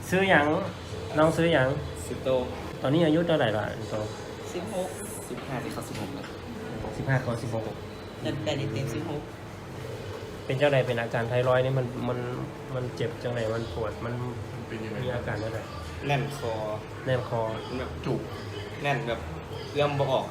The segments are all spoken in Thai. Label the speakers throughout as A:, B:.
A: ซื้อหยังน้องซื้อหยัง
B: สิบโต
A: ตอนนี้อายุเท่าไหร่ล่ะโต
C: 16
B: 15ที่เขา16แล้ว
A: 15เขา16
C: เดือน8นี่เต็ม16
A: เป็นเจ้าใดเป็นอาการไทรอยด์นี่มันเจ็บจังไหนมันปวดมัน
D: เป็นยังไง
A: มีอาการอะไร
B: แน่นคอ
A: แนบคอ
B: แบบ
D: จุก
B: แน่นแบบเอื้อมบ่ออก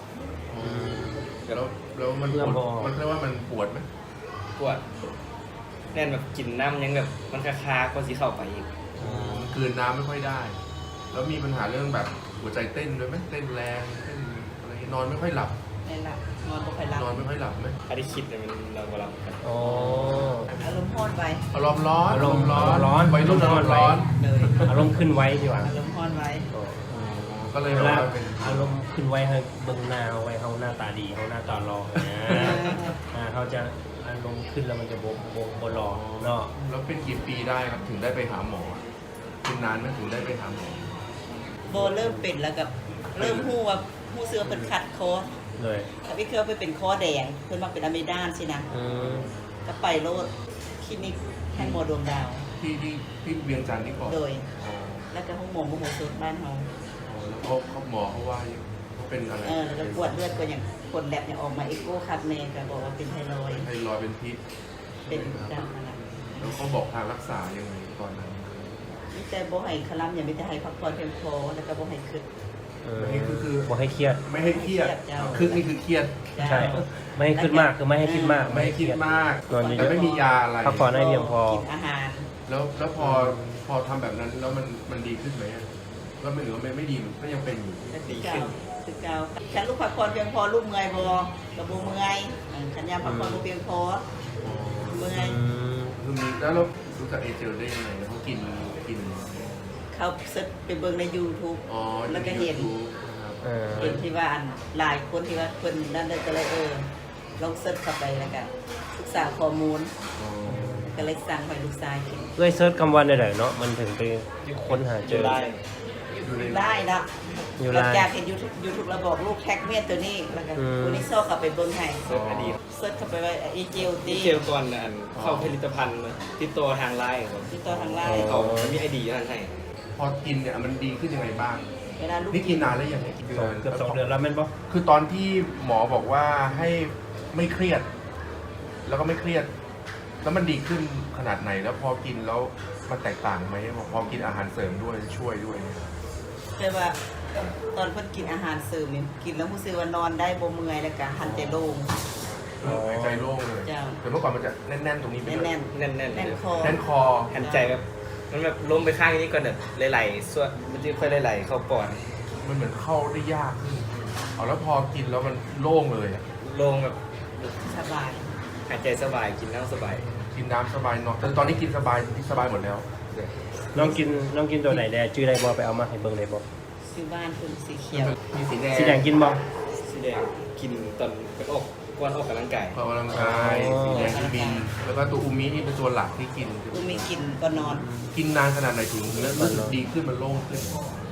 D: แล้วมันปวดมันเรียกว่ามันปวดไหม
B: ปวดแน่นแบบกินน้ำยังแบบมันคาๆก็สิเข้าไปอีก
D: มันกลืนน้ำไม่ค่อยได้ แล้วมีปัญหาเรื่องแบบหัวใจเต้นด้วยไหมเต้นแรงเต้นอะไรนอนไม่ค่อยหลับ
C: นั่นล่ะนอนบ่ค่อยหลับ
D: นอนไม่ค่อยหลับไหม
B: อันที่คิดเนี่ยมันเราบ่รับกัน
A: อ๋อ
C: อารมณ์ร้อนไว้
D: อารมณ์ร้อน
A: อารมณ์ร้อน
D: วัยรุ่นอารมณ์ร้อน
C: เลย
A: อารมณ์ขึ้นไว้ดีกว่า
C: อารมณ์ร้อนไว้
D: ก็เลย
A: เว
D: แบบ
A: ลา
D: ว่าเป็น
A: อารมณ์ขึ้นไว้ให้เบิ่งหน้าเอาไว้เขาหน้าตาดีเขาหน้าตารอนะเขาจะอารมณ์ขึ้นแล้วมันจะโบรอเนาะ
D: แล้วเป็นกี่ปีได้ครับถึงได้ไปหาหมอเป็นนานไหมถึงได้ไปหาหมอ
C: โบเริ่มเป็นแล้วกับเริ่มฮู้ว่าฮู้เสือเป็นคัดคอ
A: เลย
C: ถ้าพี่เคยไปเป็นคอแดงเพิ่นมาเป็นอะเมดานสินะ
A: อืม
C: ก็ไปโลดคลินิกแห่งหมอดวงดาว
D: ที่เวียงจันทร์ที่ก่อน
C: โดย
D: อ๋อ
C: แล้วก็ห้องหมอมโหสถบ้านเฮา
D: แล้วเขาหมอเขาว่าเขาเป็นอะไร
C: แล้วกวดเลือดก็อย่างคนแลบอย่างออกมาเอ็กโกคัดแม่ก็บอกว่าเป็นไทรอยด์
D: ไทรอยด์เป็นพิษ
C: เป็นดำอะไร
D: แล้วเขาบอกทางรักษายังไงตอนนั้น
C: มีแต่บ่ให้คลัมอย่างมีแต่ให้พักผ่อนเพียงพอแล้วก็บ่ให้คึก
D: นี่คือ
A: บอกให้เครียด
D: ไม่ให้เครียด
C: เจ้า
D: คือนี่คือเครียด
A: ใช่ ไม่ให้คิดมากคือไม่ให้คิดมาก
D: ไม่ให้คิดมาก
A: นอนเย
D: แต่
A: อะ
D: ไม่มียาอะไร
A: พักผ่อนให้เพียงพอ
C: กินอาหาร
D: แล้วพอทำแบบนั้นแล้วมันดีขึ้นไหมอะก็ไม่หรือว่าไม่ดีก็ยังเป็นอยู่
C: ดีขึ้นคือเก่าฉันลูกพักผ่อนเพียงพอลูกเมื่อยบ่ก็บ่เมื่อยขันยามพักผ่อนบ่เพียงพอเมื่อย
D: คือมีแล้วเรารู้จักเอเจลได้ยังไงเขากิน
C: เขาเสิร์ชไปเบิ่งใน YouTube
D: อ๋อ
C: แล้วก็เห็น
D: นะครับ
C: เห็นที่ว่าอันหลายคนที่ว่าเพิ่นนั่นเลยก็เลยลองเสิร์ชเข้าไปแล้วก็ศึกษาข้อมูล
D: อ๋อ
C: ก็เลยสั่งให้ลูกชายกิน
A: เอ้ยเซิร์ชคำวันได้เลยเนาะมันถึงไปค้นหาเจอ
B: ได้
C: ได้นะ
A: อยู่
C: หลั
A: ไล
C: ง
A: น์
C: จากเห็น YouTube แล้วบอกลูกแท็กเมียตัวนี้แล้วก็ตัวนี้โซ่กลับไปเบิ่งให้
B: เสิร์ชอดีต
C: เสิร์ชเข้าไปว่าอีเจลตี
B: ที่เจลก่อนนะอันเข้าผลิตภัณฑ์ติดตัวทางไลน์ครับ
C: ติดต่อทางไลน์
B: เขามีไอดีท่านให้
D: พอกินเนี่ยมันดีขึ้นยังไงบ้าง
C: เวลาลูก
D: นี่กินนานแล้วยังไง
A: เกือบ2 เดือนแล้วแม่นปะ
D: คือตอนที่หมอบอกว่าให้ไม่เครียด แล้วก็ไม่เครียด แล้วมันดีขึ้นขนาดไหนแล้วพอกินแล้วมันแตกต่างไหมพอกินอาหารเสริมด้วยช่วยด้วยเนี่ย
C: แต่ว่าตอนเพิ่นกินอาหารเสริมนี่กินแล้วรู้สึกว่านอนได้บ่เมื่อยแล้วก็หันใจโล่ง
D: หายใจโล่งเลย
C: จ้ะ
D: แต่เมื่อก่อนมันจะแน่นๆตรงนี้ไปด้วย
C: แน่น
B: แน่นๆ
C: ๆ
B: เล
C: แน่น
B: ย
C: คอ
D: แน่นคอ
B: หันใจแบบมันแบบล้มไปข้างนี้ก่อนแบบไหลๆส่วนมันจะค่อยไหลๆเข้าปอด
D: มันเหมือนเข้าได้ยากขึ้นเอาแล้วพอกินแล้วมันโล่งเลยอะ
B: ลงแบบ
C: สบาย
B: หายใจสบายกินน้ำสบาย
D: กินน้ำสบายนอนแต่ตอนนี้กินสบายหมดแล้ว
A: น้องกินตัวไหนแดจื้อได้บ่ไปเอามาให้เบิ่งได้บ่
C: ซื้อบ้านคุณสีเขียว
D: มีสีแดง
A: สีแดงกินบ่
B: สีแดงกินตอนไปออกวันออกกำลังกาย
D: ออกกำลังกายสีแดงที่บินแล้วก็ตัวอูมินี่เป็นตัวหลักที่กิน
C: กูมีกินก็นอน
D: กินนานขนาดไหนถึงรู้สึกดีขึ้นมันโล่งขึ้น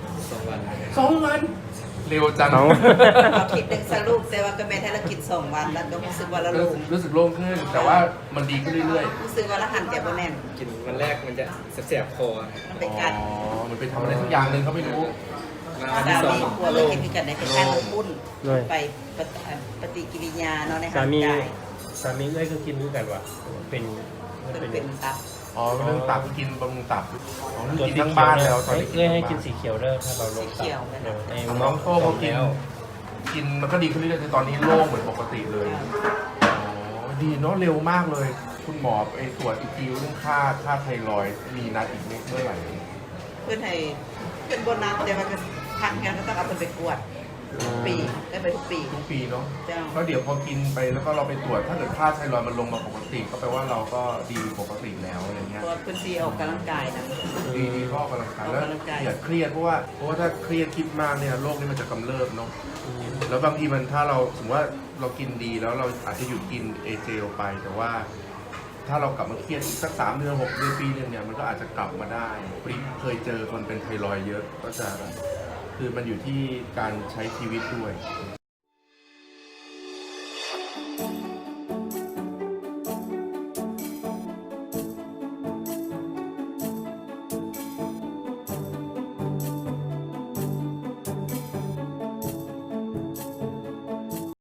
B: 2 วัน
D: 2 วัน เร็วจัง
A: น้อง
C: เอาคิดเป็นสรุปแต่ว่าก็แม่นให้เรากิน2 วันแล้วก็รู้สึกว่าเราลง
D: รู้สึกโล่งขึ้น แต่ว่ามันดีขึ้นเรื่อย
C: รู้สึกว่าเราหันใจบ่แน่น
B: กินวันแรกมันจะแสบๆคอ
C: มัน
D: ๆ
C: ไปกัด
D: อ๋อมันไปทำอะไรสักอย่างหนึ่งเขาไม่รู้
B: มา
C: สา
B: วันที่สอง
C: มีกลัวเลยกินกันในคล้ายๆปุ้น
A: เลย
C: ไปปฏิกิริยาเนาะใน
A: สา
C: ร่าง
A: มี
C: กาย
A: สามีเอ้ยก็กินด้วยกันว่ะเป็นมัน
C: เป็น
A: เป็น
C: ตับ
D: อ๋อเรื่องตับกินบำรุงตับอ๋อนี่
A: ตัว
D: กิน
A: สี
D: ทั้ง
A: เขียว
D: บ้าน
A: เนี่ย
D: แล้วตอนนี้
A: เอ้ยให้กินสีเขียวเด้อถ้าเราลง
C: สีเขียว
A: ตับไอ้
D: น้องโต้เขากินมันก็ดีขึ้นเรื่อยๆคือตอนนี้โล่งเหมือนปกติเลยอ๋อดีเนาะเร็วมากเลย คุณหมอไอ้ตรวจอีกทีเรื่องค่าไทรอยด์มีนัดอีกเมื่อไหร่
C: เพื่อนให้เพื่อนบนน้ำแต่ว่าก็พักงานก็ต้องเอาเพิ่นไปกวดทุกปีได้ไปทุกปี
D: ทุกปีเนาะ
C: เจ้า
D: แล้วเดี๋ยวพอกินไปแล้วก็เราไปตรวจถ้าเกิดค่าไทรอยด์มันลงมาปกติ ก็แปลว่าเราก็ดีปกติแล้วอะไรเงี้ย
C: เพราะว่าเพื่อนซีออกกำลังกายนะ
D: ดีก็ออกกำลังกายแล้ว
C: ออกกำลังกาย
D: อย่าเครียดเพราะว่าถ้าเครียดคิดมากเนี่ยโรคนี้มันจะกำเริบเนาะแล้วบางทีมันถ้าเราสมมติว่าเรากินดีแล้วเราอาจจะหยุดกินเอเจลไปแต่ว่า ถ้าเรากลับมาเครียดอีกสัก3 เดือน6 เดือนปีนึงเนี่ยมันก็อาจจะกลับมาได้พอดีเคยเจอคนเป็นไทรอยด์เยอะก็จะคือมันอยู่ที่การใช้ชีวิตด้วย